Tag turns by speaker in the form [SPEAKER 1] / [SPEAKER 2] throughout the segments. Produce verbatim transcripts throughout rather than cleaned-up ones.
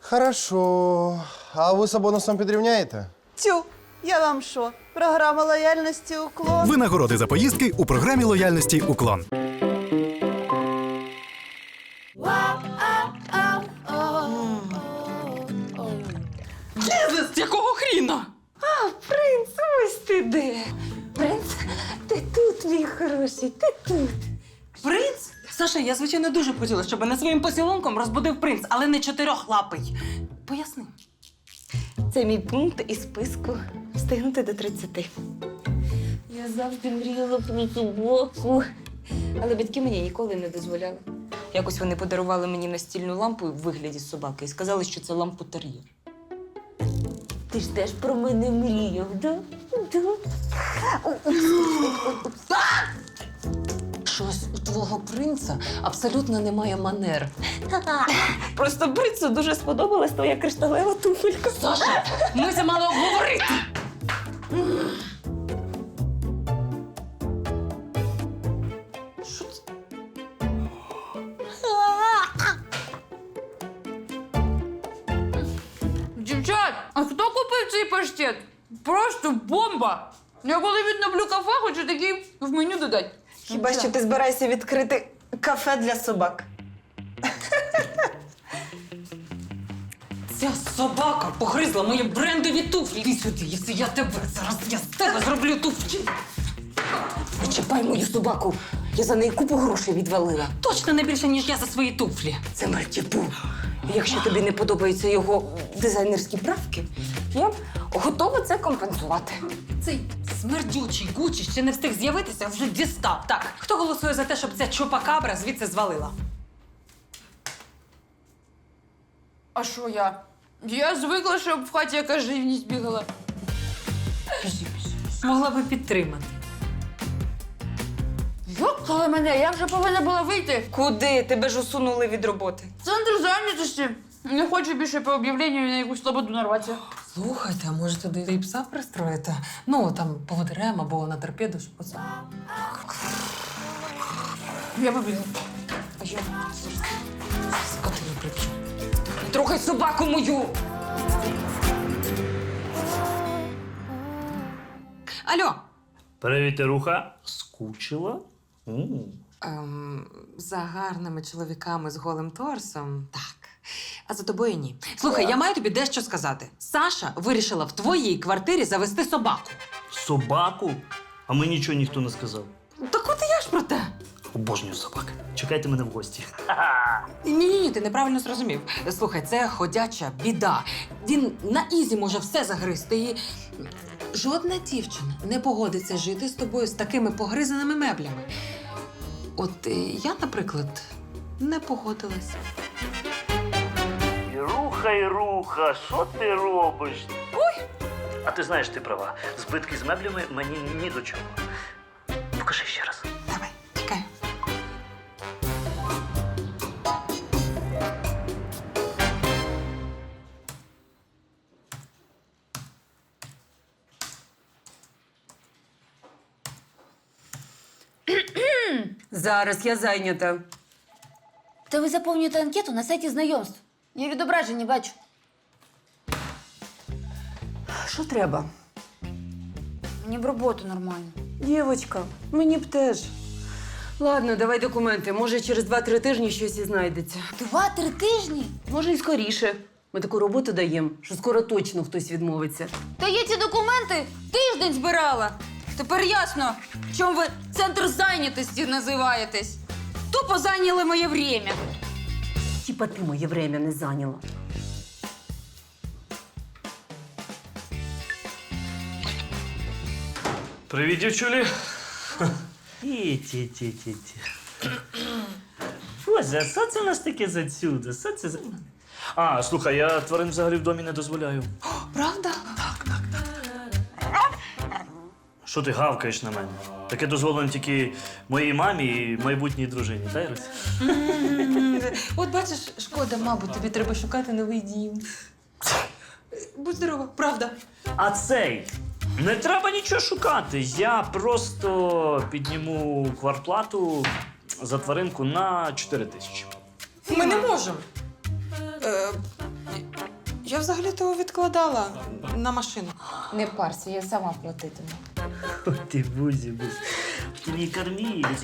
[SPEAKER 1] Хорошо. А ви з бонусом підрівняєте?
[SPEAKER 2] Тю, я вам що? Програма лояльності «Уклон».
[SPEAKER 3] Винагороди за поїздки у програмі лояльності «Уклон».
[SPEAKER 4] З якого хріна?
[SPEAKER 5] А, принц, ось ти де. Принц, ти тут, мій хороший, ти тут.
[SPEAKER 4] Принц? Саша, я, звичайно, дуже б хотіла, щоб мене своїм поцілунком розбудив принц, але не чотирьохлапий. Поясни.
[SPEAKER 5] Це мій пункт із списку встигнути до тридцяти. Я завжди мріяла про собаку. Але батьки мені ніколи не дозволяли. Якось вони подарували мені настільну лампу в вигляді собаки і сказали, що це лампу-тер'єр. Ти ж теж про мене мріяв, да? Да.
[SPEAKER 4] Щось у твого принца абсолютно немає манер.
[SPEAKER 5] Просто принцу дуже сподобалась твоя кришталева туфелька.
[SPEAKER 4] Саша, ми це мали обговорити. Що це?
[SPEAKER 6] Дівчат, а хто купив цей паштет? Просто бомба! Я коли відноблю кафе, хочу такий в меню додати.
[SPEAKER 2] Хіба що ти збираєшся відкрити кафе для собак?
[SPEAKER 4] Ця собака погризла мої брендові туфлі. Іди сюди, якщо я тебе зараз я з тебе зроблю туфлі.
[SPEAKER 5] Не чіпай мою собаку. Я за неї купу грошей відвалила.
[SPEAKER 4] Точно не більше, ніж я за свої туфлі.
[SPEAKER 5] Це мальтіпу. Якщо тобі не подобаються його дизайнерські правки, я б готова це компенсувати.
[SPEAKER 4] Цей смердючий Гучі ще не встиг з'явитися, вже дістав. Так, хто голосує за те, щоб ця чупакабра звідси звалила?
[SPEAKER 6] А що я? Я звикла, щоб в хаті якась живність бігала.
[SPEAKER 4] Могла би підтримати.
[SPEAKER 6] Йокала мене, я вже повинна була вийти.
[SPEAKER 5] Куди? Тебе ж усунули від роботи.
[SPEAKER 6] Центр зайнятості. Не хочу більше по об'явленню на якусь слободу нарватися.
[SPEAKER 4] Слухайте, а може туди і пса пристроїти? Ну, там, поводирем або на торпеду, щоб оце.
[SPEAKER 6] Я побігла.
[SPEAKER 4] А я скотину припчу.
[SPEAKER 5] Трохай собаку мою!
[SPEAKER 4] Алло!
[SPEAKER 7] Привіт, Руха. Скучила? М.
[SPEAKER 4] Ем, за гарними чоловіками з голим торсом, так. А за тобою ні. Слухай, я маю тобі дещо сказати. Саша вирішила в твоїй квартирі завести собаку.
[SPEAKER 7] Собаку? А мені нічого ніхто не сказав.
[SPEAKER 4] Так от і я ж про те.
[SPEAKER 7] Обожнюю собак. Чекайте мене в гості.
[SPEAKER 4] Ні-ні-ні, ти неправильно зрозумів. Слухай, це ходяча біда. Він на ізі може все загризти і... Жодна дівчина не погодиться жити з тобою з такими погризаними меблями. От е, я, наприклад, не погодилась.
[SPEAKER 7] Руха і руха, що ти робиш? Ой! А ти знаєш, ти права. Збитки з меблями мені ні до чого. Покажи ще раз.
[SPEAKER 4] Давай, чекаю.
[SPEAKER 8] Зараз я зайнята.
[SPEAKER 9] Та ви заповнюєте анкету на сайті знайомств. Я відображення бачу.
[SPEAKER 8] Що треба?
[SPEAKER 9] Мені б роботу нормально.
[SPEAKER 8] Дівочка, мені б теж. Ладно, давай документи. Може, через два-три тижні щось і знайдеться.
[SPEAKER 9] Два-три тижні?
[SPEAKER 8] Може, і скоріше. Ми таку роботу даємо, що скоро точно хтось відмовиться.
[SPEAKER 9] Та я ці документи тиждень збирала. Тепер ясно, чому ви центр зайнятості називаєтесь. Тупо зайняли моє время.
[SPEAKER 8] Тіпа ти моє время не зайняла.
[SPEAKER 7] Привіт, дівчулі. Ті-ті-ті-ті-ті. Боже, а що це у нас таке засюди? Що це за... А, слухай, я тварин взагалі в домі не дозволяю.
[SPEAKER 4] Правда?
[SPEAKER 7] Що ти гавкаєш на мене? Таке дозволено тільки моїй мамі і майбутній дружині, та, Ірусь?
[SPEAKER 4] От бачиш, шкода, мабуть, тобі треба шукати новий дім. Будь здорова, правда.
[SPEAKER 7] А цей, не треба нічого шукати. Я просто підніму квартплату за тваринку на чотири тисячі.
[SPEAKER 4] Ми не можемо. Е, взагалі-то відкладала на машину.
[SPEAKER 5] Не парся, я сама платитиму.
[SPEAKER 7] Ой, ти бузі, бузі. Ти мій кормілець.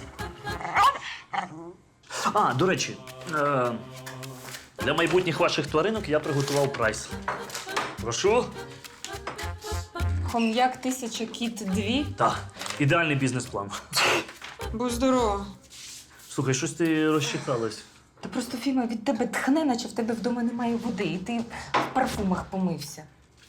[SPEAKER 7] А, до речі, е, для майбутніх ваших тваринок я приготував прайс. Прошу.
[SPEAKER 5] Хом'як тисяча, кіт дві.
[SPEAKER 7] Так, ідеальний бізнес-план.
[SPEAKER 4] Будь здорова.
[SPEAKER 7] Слухай, щось ти розчихалась.
[SPEAKER 5] Та просто Фіма від тебе тхне, наче в тебе вдома немає води, і ти в парфумах помився.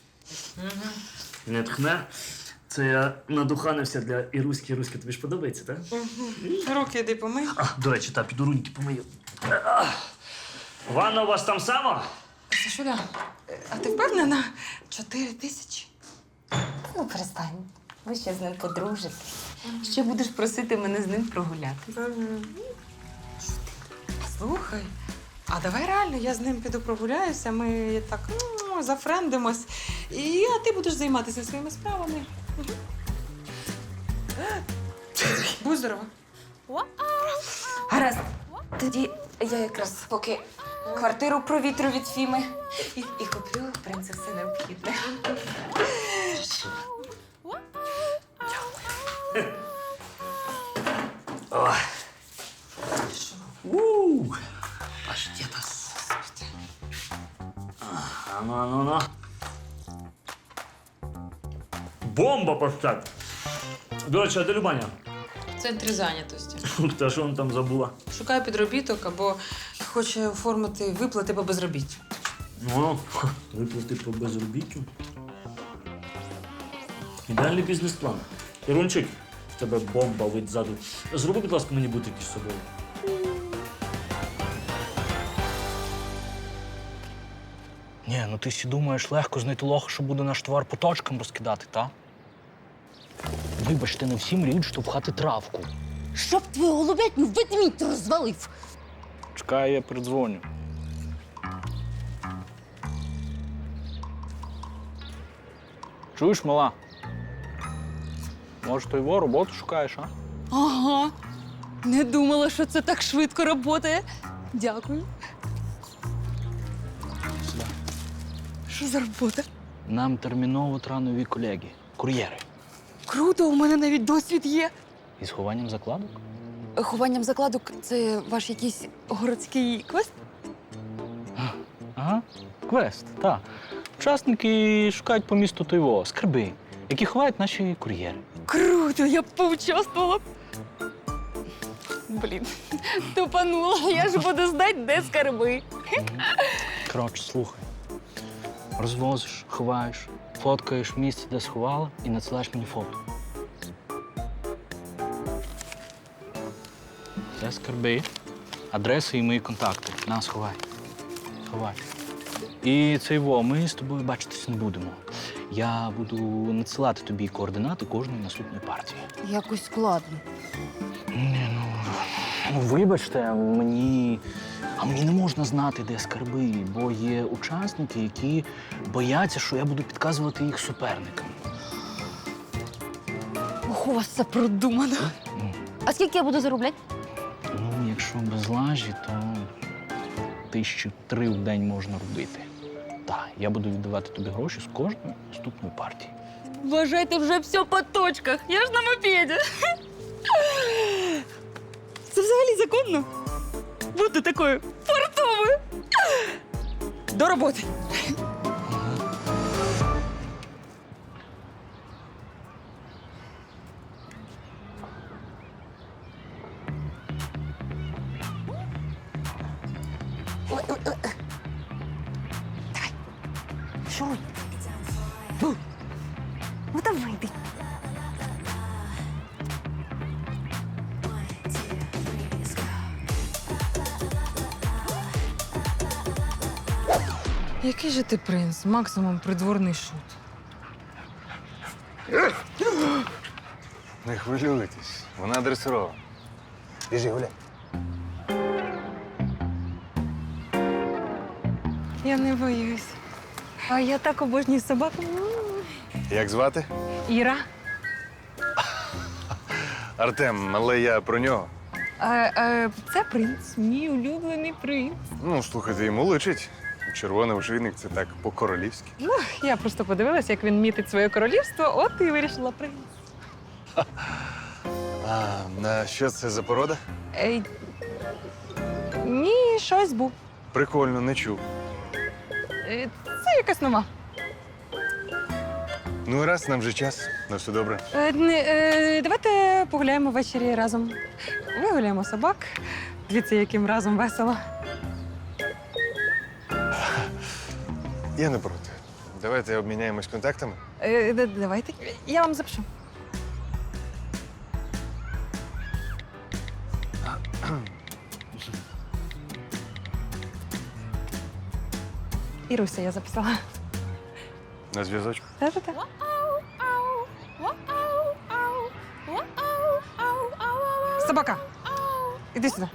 [SPEAKER 7] Не тхне. Це я надуханився для Іруськи. Іруська, тобі ж подобається, так?
[SPEAKER 4] Руки йди помий.
[SPEAKER 7] А, до речі, та, піду руньки помию. А, ванна у вас там сама?
[SPEAKER 4] Сашуля, а ти впевнена? Чотири тисячі?
[SPEAKER 5] Ну, перестань. Ви ще з ним подружитесь. Ще будеш просити мене з ним прогулятися.
[SPEAKER 4] Слухай, а давай реально я з ним піду прогуляюся, ми так ну, зафрендимось, і а ти будеш займатися своїми справами. Мгм. Будь здорова.
[SPEAKER 5] Гаразд. Тоді я якраз поки квартиру провітрю від Фіми і, і куплю принцу все необхідне.
[SPEAKER 7] Ой. У, паштетас. А, ну, ну, ну. Бомба паштет. До речі, а де Любаня?
[SPEAKER 4] В центрі зайнятості.
[SPEAKER 7] Та що вона там забула?
[SPEAKER 4] Шукає підробіток або хоче оформити виплати по безробіттю.
[SPEAKER 7] Ну, виплати по безробіттю. Ідеальний бізнес-план. Ірунчик, в тебе бомба вид ззаду. Зроби, будь ласка, мені бутики з собою.
[SPEAKER 10] Ні, ну ти сі думаєш, легко знайти лоха, що буде наш товар по точкам розкидати, та? Вибачте, не всі мріють штовхати травку.
[SPEAKER 9] Щоб твою голубятню ведмідь розвалив.
[SPEAKER 10] Чекай, я передзвоню. Чуєш, мала? Може, то його роботу шукаєш, а?
[SPEAKER 9] Ага. Не думала, що це так швидко працює. Дякую.
[SPEAKER 10] Сюди.
[SPEAKER 9] Що за робота?
[SPEAKER 10] Нам терміново треба нові колеги, кур'єри.
[SPEAKER 9] Круто, у мене навіть досвід є.
[SPEAKER 10] Із хованням закладок?
[SPEAKER 9] Хованням закладок це ваш якийсь городський квест?
[SPEAKER 10] Ага, квест, так. Учасники шукають по місту Тойво скарби, які ховають наші кур'єри.
[SPEAKER 9] Круто, я б поучаствувала. Блін, тупанула. Я ж буду знати, де скарби.
[SPEAKER 10] Коротше, слухай. Розвозиш, ховаєш, фоткаєш місце, де сховала, і надсилаєш мені фото. Це скарби, адреси і мої контакти. На, сховай. Сховай. І цей во, ми з тобою бачитись не будемо. Я буду надсилати тобі координати кожної наступної партії.
[SPEAKER 9] Якось складно.
[SPEAKER 10] Ні, ну, ну, вибачте, мені. А мені не можна знати, де скарби, бо є учасники, які бояться, що я буду підказувати їх суперникам.
[SPEAKER 9] Ох, у вас це продумано.
[SPEAKER 10] Ну,
[SPEAKER 9] А скільки я буду заробляти?
[SPEAKER 10] ну, якщо без лажі, то тисячі три в день можна робити. Так, я буду віддавати тобі гроші з кожної наступної партії.
[SPEAKER 9] Вважайте, вже все по точках. Я ж на мопеді. Це взагалі законно? Бути такою фартовою. До роботи.
[SPEAKER 5] Що? Ну, ну давай йди.
[SPEAKER 4] Який же ти принц? Максимум придворний шут.
[SPEAKER 11] Не хвилюйтесь, вона дресирована. Біжи, гуляй.
[SPEAKER 4] Я не боюсь. А я так обожнюю собак.
[SPEAKER 11] Як звати?
[SPEAKER 4] Іра.
[SPEAKER 11] Артем, але я про нього.
[SPEAKER 4] А, а, це принц, мій улюблений принц.
[SPEAKER 11] Ну, слухайте, йому личить. червоний ошейник це так по-королівськи.
[SPEAKER 8] Я просто подивилася, як він мітить своє королівство, от і вирішила прийти.
[SPEAKER 11] А на що це за порода?
[SPEAKER 8] Ей, ні, щось був.
[SPEAKER 11] Прикольно, не чув.
[SPEAKER 8] Е, Це якась нова.
[SPEAKER 11] Ну, раз, нам вже час. На все добре.
[SPEAKER 8] Е, не, е, давайте погуляємо ввечері разом. Вигуляємо собак. Дивіться, яким разом весело.
[SPEAKER 11] Я не проти. Давайте обміняємось контактами.
[SPEAKER 8] Е, д- давайте. Я вам запишу. Іруся, я записала.
[SPEAKER 11] На зв'язочку.
[SPEAKER 8] Та-та-та. Собака, іди сюди.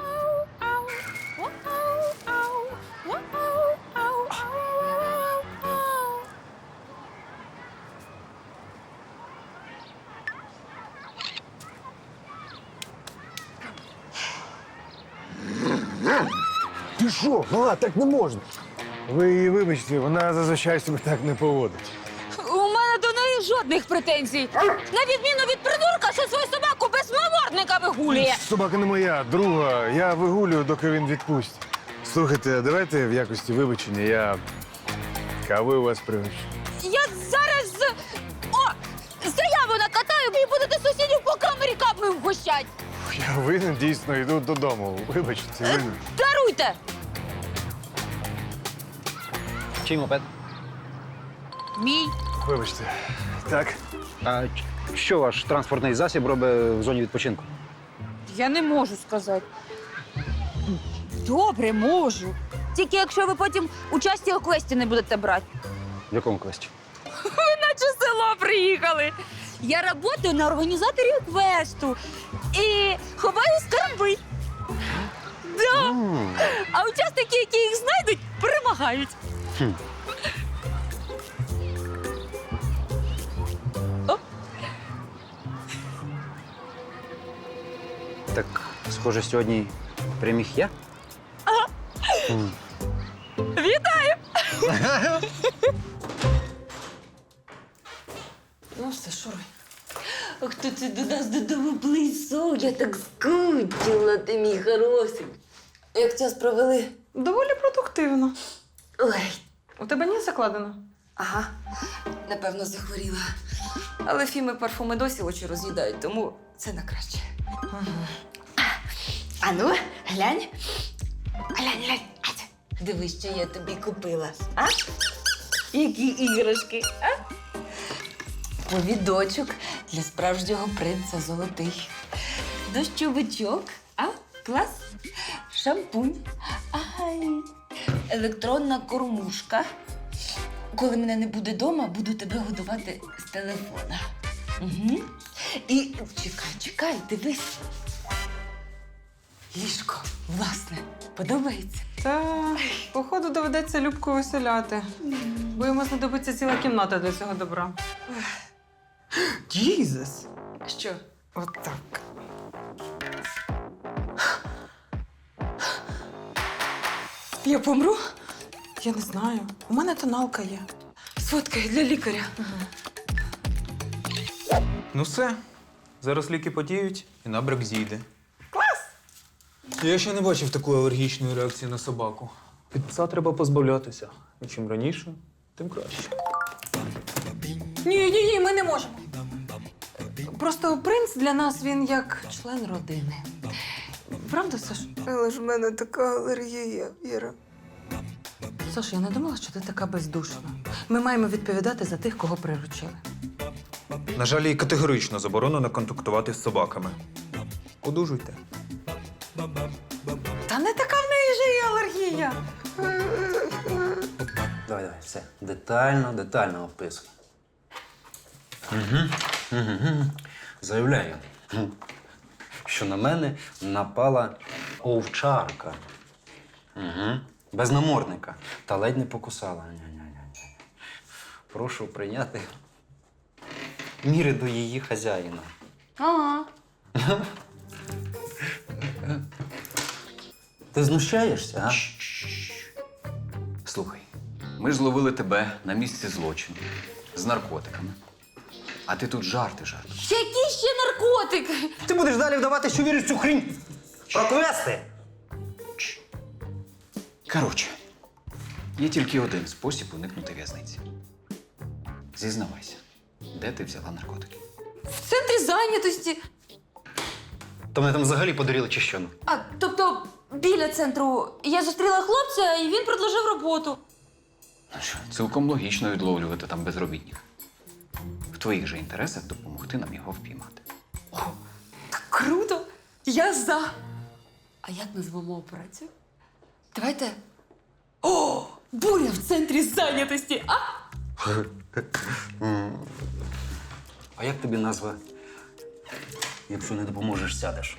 [SPEAKER 11] Ти що? Мала, так не можна. Ви її вибачте, вона зазвичай себе так не поводить.
[SPEAKER 9] У мене до неї жодних претензій. На відміну від придурка, що свою собаку без маморника вигулює.
[SPEAKER 11] Собака не моя, друга. Я вигулюю, доки він відпустить. Слухайте, давайте в якості вибачення я кави у вас пригощу.
[SPEAKER 9] Я зараз. О! Заяву накатаю і будете сусідів по камері капою вгощать.
[SPEAKER 11] Я винен, дійсно, йду додому. Вибачте, винен.
[SPEAKER 9] Даруйте!
[SPEAKER 10] Чий мопед?
[SPEAKER 9] Мій.
[SPEAKER 11] Вибачте. Так.
[SPEAKER 10] А що ваш транспортний засіб робить в зоні відпочинку?
[SPEAKER 9] Я не можу сказати. Добре, можу. Тільки якщо ви потім участі у квесті не будете брати.
[SPEAKER 10] В якому квесті?
[SPEAKER 9] Ви наче з села приїхали. Я працюю на організаторі квесту і ховаю скарби. Да. А учасники, які їх знайдуть, перемагають.
[SPEAKER 10] Хм.
[SPEAKER 9] О.
[SPEAKER 10] Так, схоже, сьогодні переміг я?
[SPEAKER 9] Вітаю!
[SPEAKER 5] Ну все, шуруй. А хто це до нас додому близько? Я так скучила, ти мій хороший. Як час провели?
[SPEAKER 8] Доволі продуктивно.
[SPEAKER 5] Ой,
[SPEAKER 8] У тебе ніс закладено?
[SPEAKER 5] ага, напевно, захворіла. Але фіми парфуми досі очі роз'їдають, тому це на краще. А ну, глянь. Глянь, глянь. Ать. Дивись, що я тобі купила. А? Які іграшки, а? Повідочок для справжнього принца золотий. Дощовичок, а? Клас. Шампунь. Ай. Електронна кормушка. Коли мене не буде вдома, буду тебе годувати з телефона. Угу. І чекай, чекай, дивись. Ліжко, власне, подобається?
[SPEAKER 8] Та, походу, доведеться Любку виселяти. Бо йому знадобиться ціла кімната для цього добра. Джізус!
[SPEAKER 5] Що?
[SPEAKER 8] Отак.
[SPEAKER 5] Я помру?
[SPEAKER 8] Я не знаю. У мене тоналка є.
[SPEAKER 5] Сфоткай для лікаря.
[SPEAKER 12] Ну все. Зараз ліки подіють і набряк зійде. Клас! Я ще не бачив такої алергічної реакції на собаку. Від пса треба позбавлятися. І чим раніше, тим краще.
[SPEAKER 8] Ні, ні, ні, ми не можемо. Просто принц для нас він як член родини. Правда, Саш?
[SPEAKER 2] Але ж в мене така алергія, Іра.
[SPEAKER 8] Саш, я не думала, що ти така бездушна. Ми маємо відповідати за тих, кого приручили.
[SPEAKER 12] На жаль, їй категорично заборонено контактувати з собаками. Одужуйте.
[SPEAKER 8] Та не така в неї же і алергія.
[SPEAKER 10] Давай, давай, все. Детально, детально описуй. Угу. Угу. Заявляю, що на мене напала овчарка. Угу. Без намордника. Та ледь не покусала. Ня-ня-ня. Прошу прийняти міри до її хазяїна.
[SPEAKER 9] Ага.
[SPEAKER 10] Ти знущаєшся, а? Слухай,
[SPEAKER 13] Ми ж зловили тебе на місці злочину з наркотиками. А ти тут жарти жартуєш.
[SPEAKER 6] Які ще наркотики?
[SPEAKER 14] Ти будеш далі вдавати, що віриш в цю хрінь? Про квести!
[SPEAKER 13] Коротше, є тільки один спосіб уникнути в'язниці. Зізнавайся, де ти взяла наркотики?
[SPEAKER 6] В центрі зайнятості.
[SPEAKER 14] То мене там взагалі подарили чи що?
[SPEAKER 6] А, тобто, біля центру я зустріла хлопця, і він предложив роботу.
[SPEAKER 13] Ну що, цілком логічно відловлювати там безробітних. В твоїх же інтересах допомогти нам його впіймати.
[SPEAKER 6] Круто! Я за. А як назвемо операцію? Давайте. О! Буря в центрі зайнятості! А?
[SPEAKER 14] А як тобі назва? Якщо не допоможеш, сядеш.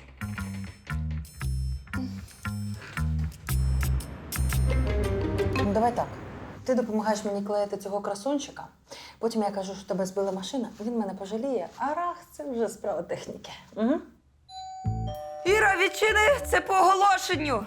[SPEAKER 8] Ну, давай так. Ти допомагаєш мені клеїти цього красунчика, потім я кажу, що тебе збила машина, він мене пожаліє, а рах – це вже справа техніки. Угу.
[SPEAKER 5] Іра, відчини, це по оголошенню.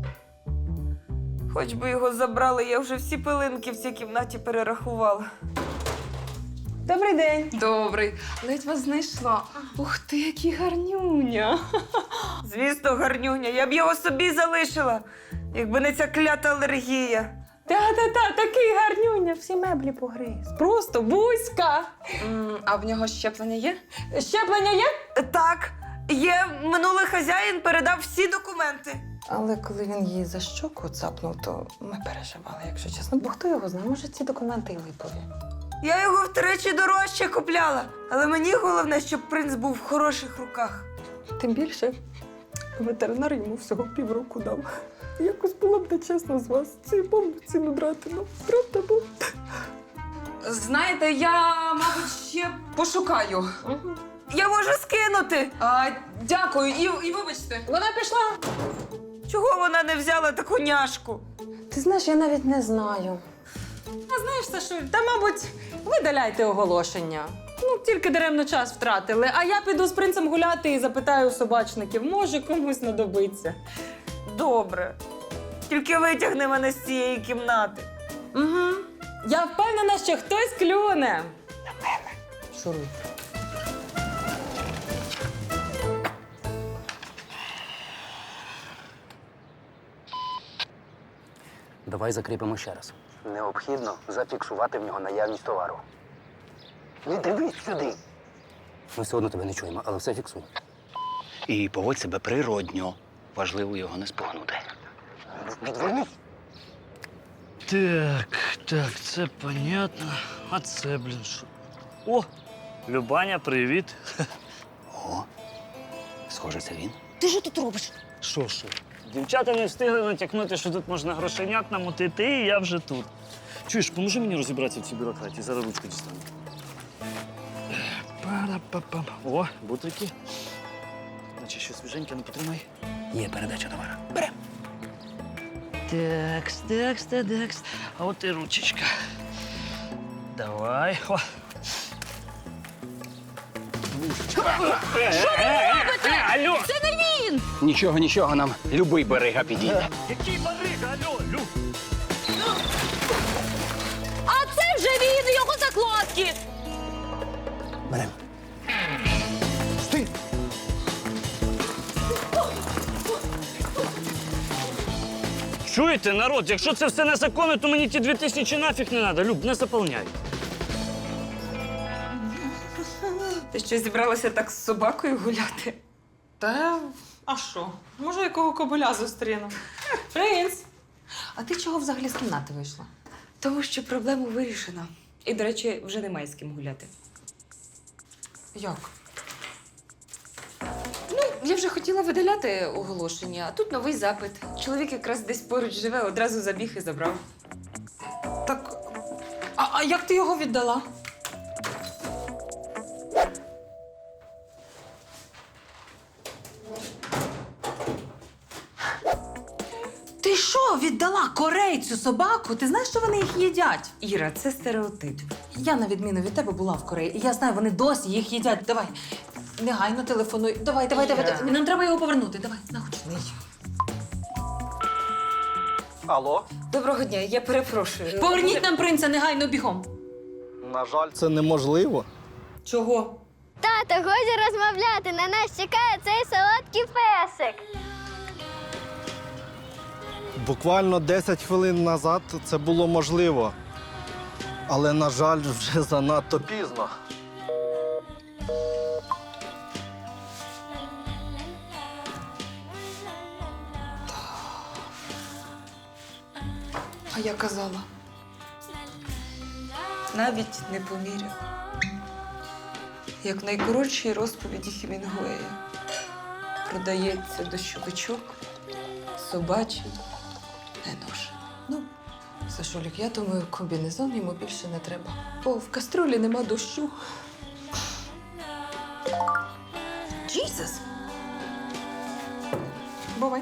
[SPEAKER 5] Хоч би його забрали, я вже всі пилинки в цій кімнаті перерахувала.
[SPEAKER 8] Добрий день.
[SPEAKER 6] Добрий. Ледь вас знайшла. Ух ти, який гарнюня.
[SPEAKER 5] Звісно, гарнюня, я б його собі залишила, якби не ця клята алергія.
[SPEAKER 8] Та-та-та, такий гарнюня, всі меблі погриз. Просто бузька.
[SPEAKER 6] М, а в нього щеплення є?
[SPEAKER 8] Щеплення є?
[SPEAKER 5] Так, є, минулий хазяїн передав всі документи.
[SPEAKER 8] Але коли він її за щоку цапнув, то ми переживали, якщо чесно. Бо хто його знає, може ці документи і липові.
[SPEAKER 5] Я його втричі дорожче купляла, але мені головне, щоб принц був в хороших руках.
[SPEAKER 8] Тим більше ветеринар йому всього півроку дав. Якось було б нечесно з вас цією бомбу ціну драти. Ну, правда, бо...
[SPEAKER 6] Знаєте, я, мабуть, ще пошукаю.
[SPEAKER 5] Я можу скинути.
[SPEAKER 6] А, дякую, і, і вибачте.
[SPEAKER 8] Вона пішла.
[SPEAKER 5] Чого вона не взяла таку няшку?
[SPEAKER 8] Ти знаєш, я навіть не знаю.
[SPEAKER 4] А знаєш, Сашуль, та, мабуть, видаляйте оголошення. Ну, тільки даремно час втратили. А я піду з принцем гуляти і запитаю у собачників, може комусь знадобиться.
[SPEAKER 5] Добре. Тільки витягни мене з цієї кімнати.
[SPEAKER 4] Угу. Я впевнена, що хтось клюне.
[SPEAKER 8] На мене. Шуруй.
[SPEAKER 14] Давай закріпимо ще раз. Необхідно зафіксувати в нього наявність товару. Не дивись сюди. Ми все одно тебе не чуємо, але все фіксуй.
[SPEAKER 10] І поводь себе природньо. Важливо його не спугнути.
[SPEAKER 14] Відвернись.
[SPEAKER 7] Так, так, це понятно. А це, блін, що? О, Любаня, привіт.
[SPEAKER 10] О, схоже, це він.
[SPEAKER 9] Ти що тут робиш?
[SPEAKER 7] Що, що? Дівчата не встигли натякнути, що тут можна грошенят намотити, і я вже тут. Чуєш, поможи мені розібратися в цій бюрократії, зараз ручку дістану. Пара-па-пам. О, бутрики. Наче щось свіженьке, не потримай.
[SPEAKER 14] Є передача товару.
[SPEAKER 7] Берем. Такс, такс, такс. А от і ручечка. Давай. О.
[SPEAKER 9] Що ви робите?
[SPEAKER 7] Алло!
[SPEAKER 9] Це не він!
[SPEAKER 14] Нічого, нічого, нам любий берега підійде.
[SPEAKER 7] Який барига, алло, Люб?
[SPEAKER 9] А це вже він, його закладки!
[SPEAKER 14] Берем. Стій!
[SPEAKER 7] Чуєте, народ, якщо це все незаконно, то мені ті дві тисячі нафіг не треба. Люб, не заповняй.
[SPEAKER 5] Ти що, зібралася так з собакою гуляти?
[SPEAKER 4] Та, а що? Може, якого кобиля зустріну? Принц! А ти чого взагалі з кімнати вийшла?
[SPEAKER 5] Тому що проблему вирішено. І, до речі, вже немає з ким гуляти.
[SPEAKER 4] Як?
[SPEAKER 5] Ну, я вже хотіла видаляти оголошення, а тут новий запит. Чоловік якраз десь поруч живе, одразу забіг і забрав.
[SPEAKER 4] Так, а, а як ти його віддала? Ти що, віддала корейцю собаку? Ти знаєш, що вони їх їдять?
[SPEAKER 5] Іра, це стереотип.
[SPEAKER 4] Я, на відміну від тебе, була в Кореї. І я знаю, вони досі їх їдять. Давай, негайно телефонуй. Давай, давай, давай, давай. Нам треба його повернути. Давай, нагучний.
[SPEAKER 15] Алло?
[SPEAKER 5] Доброго дня, я перепрошую.
[SPEAKER 4] Поверніть нам принца негайно бігом.
[SPEAKER 15] На жаль, це неможливо.
[SPEAKER 4] Чого?
[SPEAKER 16] Тато, годі розмовляти, на нас чекає цей солодкий песик.
[SPEAKER 15] Буквально десять хвилин назад це було можливо. Але, на жаль, вже занадто пізно.
[SPEAKER 5] А я казала. Навіть не поміряв. Як в найкоротшій розповіді Хемінгуея. Продається дощовичок, собачий, не нож. Ну, Сашолік, я думаю, комбінезон йому більше не треба. Бо в каструлі нема дощу. Джізус! Бувай.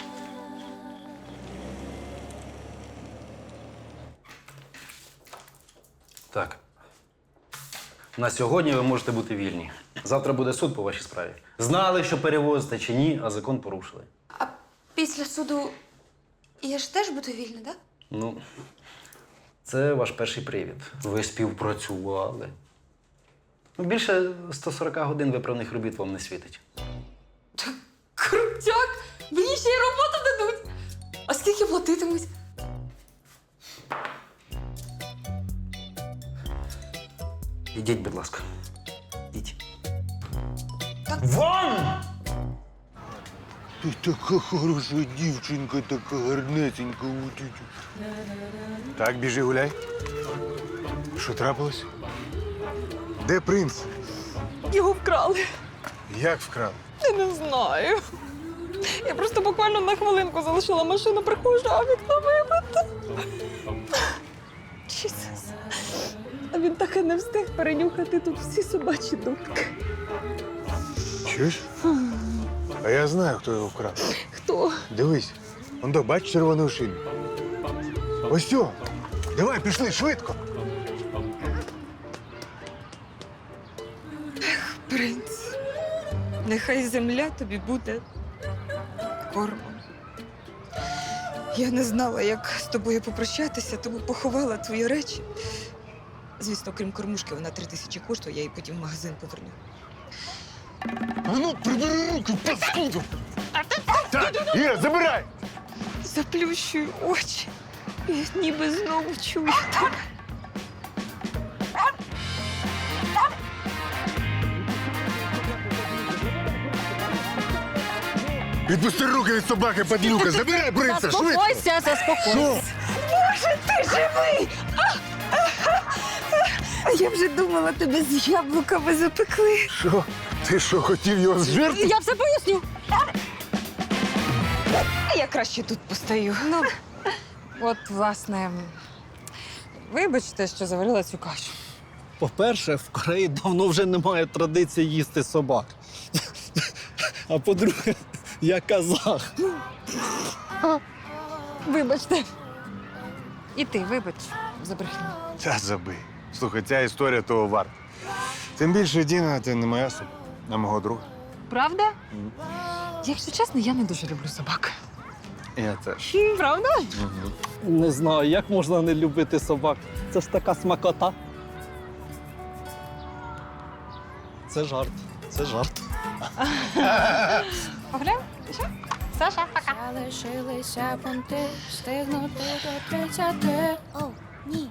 [SPEAKER 13] Так. На сьогодні ви можете бути вільні. Завтра буде суд по вашій справі. Знали, що перевозите чи ні, а закон порушили.
[SPEAKER 5] Після суду я ж теж буду вільна, так?
[SPEAKER 13] Ну, це ваш перший привід. Ви співпрацювали. Ну, більше сто сорок годин виправних робіт вам не світить.
[SPEAKER 5] Крутяк! Мені ще й роботу дадуть! А скільки платитимуть?
[SPEAKER 13] Ідіть, будь ласка. Ідіть.
[SPEAKER 11] Вон! Ти така хороша дівчинка, така гарнесенька. Так, біжи гуляй. Що трапилось? Де принц?
[SPEAKER 6] Його вкрали.
[SPEAKER 11] Як вкрали?
[SPEAKER 6] Я не знаю. Я просто буквально на хвилинку залишила машину, приходжу, а вікно вибите. Чісус. А він так і не встиг перенюхати тут всі собачі дупки.
[SPEAKER 11] Чуєш? А я знаю, хто його вкрав.
[SPEAKER 6] Хто?
[SPEAKER 11] Дивись, он до, бач червону шину. Ось цього. Давай, пішли, швидко.
[SPEAKER 5] Принц, нехай земля тобі буде кормом. Я не знала, як з тобою попрощатися, тому поховала твої речі. Звісно, крім кормушки, вона три тисячі коштує, я її потім в магазин поверну.
[SPEAKER 11] А ну, прибери руки, паскуду! Так, Іра, забирай!
[SPEAKER 5] Заплющую очі. Я ніби знову чую тебе.
[SPEAKER 11] Відпусти руки від собаки, падлюка! Забирай принца, швидко!
[SPEAKER 9] Заспокойся, заспокойся.
[SPEAKER 5] Боже, ти живий! А, а, а я вже думала, тебе з яблуками запекли.
[SPEAKER 11] Що? Ти що, хотів його зжерти?
[SPEAKER 9] Я все поясню.
[SPEAKER 5] Я краще тут постою.
[SPEAKER 4] Ну, от, власне, вибачте, що заварила цю кашу.
[SPEAKER 15] По-перше, в Кореї давно вже немає традиції їсти собак. А по-друге, я казах.
[SPEAKER 4] Вибачте. І ти, вибач, за брехню.
[SPEAKER 11] Та забий. Слухай, ця історія того варта. Тим більше, Діна, ти не моя собака, а мого друга.
[SPEAKER 4] Правда? Якщо чесно, я не дуже люблю собак.
[SPEAKER 11] Я теж.
[SPEAKER 4] Правда?
[SPEAKER 15] Не знаю, як можна не любити собак. Це ж така смакота. Це жарт. Це жарт.
[SPEAKER 4] Погуляємо? Що? Саша, пока.
[SPEAKER 16] Залишилися понти, встигнути до тридцяти. О, ні.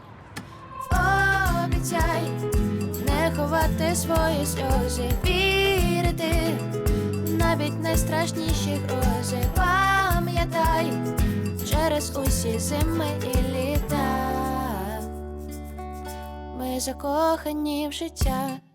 [SPEAKER 16] Обіцяй не ховати свої сльози, вірити навіть найстрашніші грози. Пам'ятай через усі зими і літа. Ми закохані в життя.